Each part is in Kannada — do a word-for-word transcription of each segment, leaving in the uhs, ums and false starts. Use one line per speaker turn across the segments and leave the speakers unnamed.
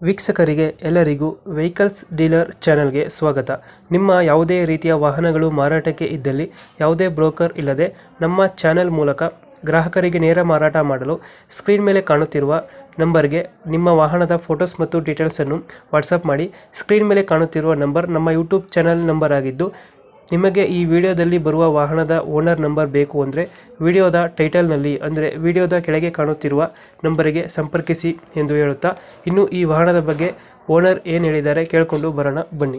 ವೀಕ್ಷಕರಿಗೆ ಎಲ್ಲರಿಗೂ ವೆಹಿಕಲ್ಸ್ ಡೀಲರ್ ಚಾನೆಲ್ಗೆ ಸ್ವಾಗತ. ನಿಮ್ಮ ಯಾವುದೇ ರೀತಿಯ ವಾಹನಗಳು ಮಾರಾಟಕ್ಕೆ ಇದ್ದಲ್ಲಿ ಯಾವುದೇ ಬ್ರೋಕರ್ ಇಲ್ಲದೆ ನಮ್ಮ ಚಾನೆಲ್ ಮೂಲಕ ಗ್ರಾಹಕರಿಗೆ ನೇರ ಮಾರಾಟ ಮಾಡಲು ಸ್ಕ್ರೀನ್ ಮೇಲೆ ಕಾಣುತ್ತಿರುವ ನಂಬರ್ಗೆ ನಿಮ್ಮ ವಾಹನದ ಫೋಟೋಸ್ ಮತ್ತು ಡೀಟೇಲ್ಸನ್ನು ವಾಟ್ಸಪ್ ಮಾಡಿ. ಸ್ಕ್ರೀನ್ ಮೇಲೆ ಕಾಣುತ್ತಿರುವ ನಂಬರ್ ನಮ್ಮ ಯೂಟ್ಯೂಬ್ ಚಾನೆಲ್ ನಂಬರ್ ಆಗಿದ್ದು, ನಿಮಗೆ ಈ ವಿಡಿಯೋದಲ್ಲಿ ಬರುವ ವಾಹನದ ಓನರ್ ನಂಬರ್ ಬೇಕು ಅಂದರೆ ವಿಡಿಯೋದ ಟೈಟಲ್ನಲ್ಲಿ ಅಂದರೆ ವಿಡಿಯೋದ ಕೆಳಗೆ ಕಾಣುತ್ತಿರುವ ನಂಬರಿಗೆ ಸಂಪರ್ಕಿಸಿ ಎಂದು ಹೇಳುತ್ತಾ, ಇನ್ನು ಈ ವಾಹನದ ಬಗ್ಗೆ ಓನರ್ ಏನು ಹೇಳಿದ್ದಾರೆ ಕೇಳಿಕೊಂಡು ಬರೋಣ ಬನ್ನಿ.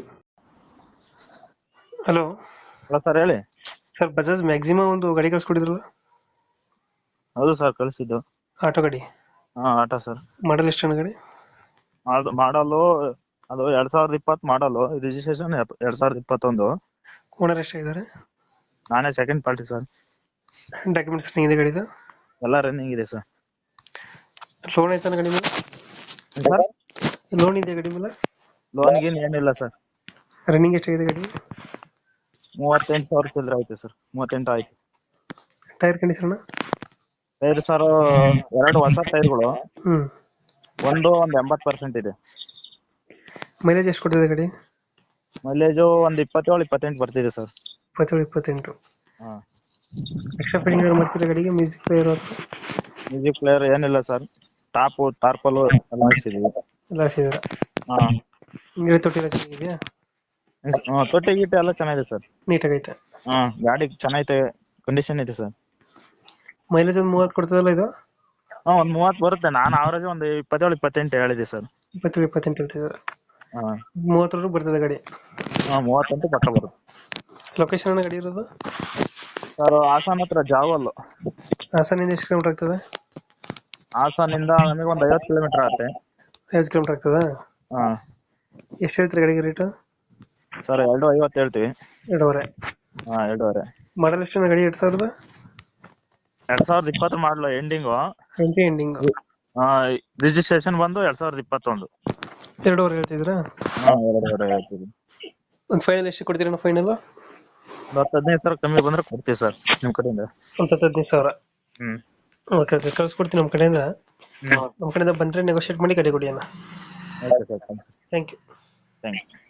ಹಲೋ
ಹಲೋ ಸರ್, ಹೇಳಿ.
ಸರ್, ಬಜಾಜ್ ಮ್ಯಾಕ್ಸಿಮಮ್ ಒಂದು ಗಾಡಿ ಕಳಿಸ್ಕೊಟ್ಟಿದ್ರಲ್ಲ?
ಹೌದು ಸರ್, ಕಳಿಸಿದ್ದು.
ಆಟೋ ಗಾಡಿ.
ಹಾ, ಆಟೋ ಸರ್.
ಮಾಡಲ್ ಎಷ್ಟು ಗಾಡಿ?
ಮಾಡಲು ಅದು ಎರಡ್ ಸಾವಿರದ ಇಪ್ಪತ್ ಮಾಡಲು, ರಿಜಿಸ್ಟ್ರೇಷನ್ ಎರಡ್ ಸಾವಿರದ ಇಪ್ಪತ್ತೊಂದು.
ಓನರ್ ಎಷ್ಟಾಗಿದ್ದಾರೆ?
ನಾನೇ ಸೆಕೆಂಡ್ ಪಾರ್ಟಿ ಸರ್.
ಡಾಕ್ಯುಮೆಂಟ್ಸ್ ಇದೆ ಗಾಡಿದು?
ಎಲ್ಲ ರನ್ನಿಂಗ್ ಇದೆ ಸರ್.
ಲೋನ್ ಆಯ್ತಾನ ಗಾಡಿ ಮೇಲೆ?
ಸರ್,
ಲೋನ್ ಇದೆ ಗಾಡಿ ಮೇಲೆ?
ಲೋನ್ ಗೀನ್ ಏನಿಲ್ಲ ಸರ್.
ರನ್ನಿಂಗ್ ಎಷ್ಟಾಗಿದೆ ಗಾಡಿ?
ಮೂವತ್ತೆಂಟು ಸಾವಿರ ಚಿಲ್ಲರೆ ಆಯ್ತು ಸರ್. ಮೂವತ್ತೆಂಟು ಆಯ್ತು.
Tyre condition?
ಟೈರ್ ಸರ್, ಎರಡು ಹೊಸ ಟೈರ್ಗಳು.
ಹ್ಮ್
ಒಂದು ಒಂದ್ ಎಂಬತ್ ಪರ್ಸೆಂಟ್ ಇದೆ.
ಮೈಲೇಜ್ ಎಷ್ಟು ಕೊಟ್ಟಿದೆ ಗಾಡಿ?
ಮೈಲೇಜು ಒಂದ್ ಇಪ್ಪತ್ತೇಳು ಇಪ್ಪತ್ತೆಂಟು ಬರ್ತಿದೆ ಸರ್.
ಇಪ್ಪತ್ತೇಳು ಇಪ್ಪತ್ತೆಂಟು.
ಹಾ.
ಎಕ್ಸ್ಟ್ರಾ ಫಿಟ್ಟಿಂಗ್ ಮಾಡ್ತಿರೋ ಗಾಡಿಗೆ? ಮ್ಯೂಸಿಕ್ ಪ್ಲೇಯರ್
ಮ್ಯೂಸಿಕ್ ಪ್ಲೇಯರ್ ಏನಿಲ್ಲ ಸರ್. ಟಾಪು ತಾರ್ಪಲು ಎಲ್ಲ ಹಾಕ್ಸಿದೀವಿ.
ಎಲ್ಲ ಹಾಕಿದ್ದೀರಾ?
ಹಾ.
ಗಾಡಿ ತೊಟ್ಟಿ ಎಲ್ಲ ಚೆನ್ನಾಗಿದೆಯಾ?
ಹ್ಮ್, ತೊಟ್ಟಿ ಗಿಟ್ಟಿ ಎಲ್ಲ ಚೆನ್ನಾಗಿದೆ ಸರ್.
ನೀಟಾಗೈತೆ?
ಹಾ, ಗಾಡಿ ಚೆನ್ನಾಗೈತೆ, ಕಂಡೀಷನ್ ಐತೆ ಸರ್.
ಮೈಲೇಜ್ ಒಂದು ಮೂವತ್ತು ಕೊಡ್ತದಲ್ಲ ಇದು?
ಹಾ, ಒಂದ್ ಮೂವತ್ ಬರುತ್ತೆ. ನಾನು ಅವರೇಜ್ ಒಂದು ಇಪ್ಪತ್ತೇಳು ಇಪ್ಪತ್ತೆಂಟು ಹೇಳಿದೆ ಸರ್.
ಇಪ್ಪತ್ತೇಳು ಇಪ್ಪತ್ತೆಂಟು ಹೇಳ್ತಿದ್ದಾರೆ.
ಹಾ.
ಮೂವತ್ತರವರೆಗೂ ಬರ್ತದೆ ಗಾಡಿ?
ಹಾ, ಮೂವತ್ತೆಂಟು ಪಕ್ಕ ಬರುತ್ತೆ.
ಲೊಕೇಶನ್ ಗಾಡಿ ಇರೋದು
ಸರ್, ಹಾಸನ್ ಹತ್ರ ಜಾವಲ್.
ಹಾಸನಿಂದ ಎಷ್ಟು ಕಿಲೋಮೀಟರ್ ಆಗ್ತದೆ?
ಹಾಸನಿಂದ ನಮಗೆ ಒಂದ್ ಐವತ್ತು ಕಿಲೋಮೀಟರ್ ಆಗುತ್ತೆ.
ಐವತ್ತು ಕಿಲೋಮೀಟರ್ ಆಗ್ತದಾ?
ಹಾ.
ಎಷ್ಟು ಹೇಳ್ತೀರಿ ಗಾಡಿಗೆ ರೇಟು?
ಸರ್, ಎರಡು ಐವತ್ತು ಹೇಳ್ತೀವಿ.
ಎರಡೂವರೆ?
ಹಾ, ಎರಡೂವರೆ.
ಮಾಡಲ್ ಎಷ್ಟು ಗಾಡಿ? ಎರಡ್ ಸಾವಿರದ
ಎರಡ್ ಸಾವಿರದ ಇಪ್ಪತ್ತು ಮಾಡಲು ಎಂಡಿಂಗು.
Twenty ending.
ರಿಜಿಸ್ಟ್ರೇಷನ್ ಬಂದು ಎರಡ್ ಸಾವಿರದ ಇಪ್ಪತ್ತೊಂದು.
ಎರಡೂವರೆ ಹೇಳ್ತಿದ್ರಾ?
ಹಾ, ಎರಡೂವರೆ ಹೇಳ್ತೀವಿ.
ಒಂದು ಫೈನಲ್ ಎಷ್ಟು ಕೊಡ್ತೀರಾ? ಫೈನಲ್
ಒಂದು ಹತ್ತು ಹದಿನೈದು ಸಾವಿರ ಕಮ್ಮಿ ಬಂದ್ರೆ ಕೊಡ್ತೀವಿ ಸರ್, ನಿಮ್ ಕಡೆಯಿಂದ.
ಒಂದು ಹತ್ತು ಹದಿನೈದು ಸಾವಿರ?
ಹ್ಮ್.
ಓಕೆ ಓಕೆ, ಕಳ್ಸ್ಕೊಡ್ತೀನಿ ನಮ್ಮ ಕಡೆಯಿಂದ. ನಮ್ಮ ಕಡೆಯಿಂದ ಬಂದರೆ ನೆಗೋಷಿಯೇಟ್ ಮಾಡಿ ಗಾಡಿ ಕೊಡಿ ಅಣ್ಣ.
Okay sir,
thank you.
Thank you.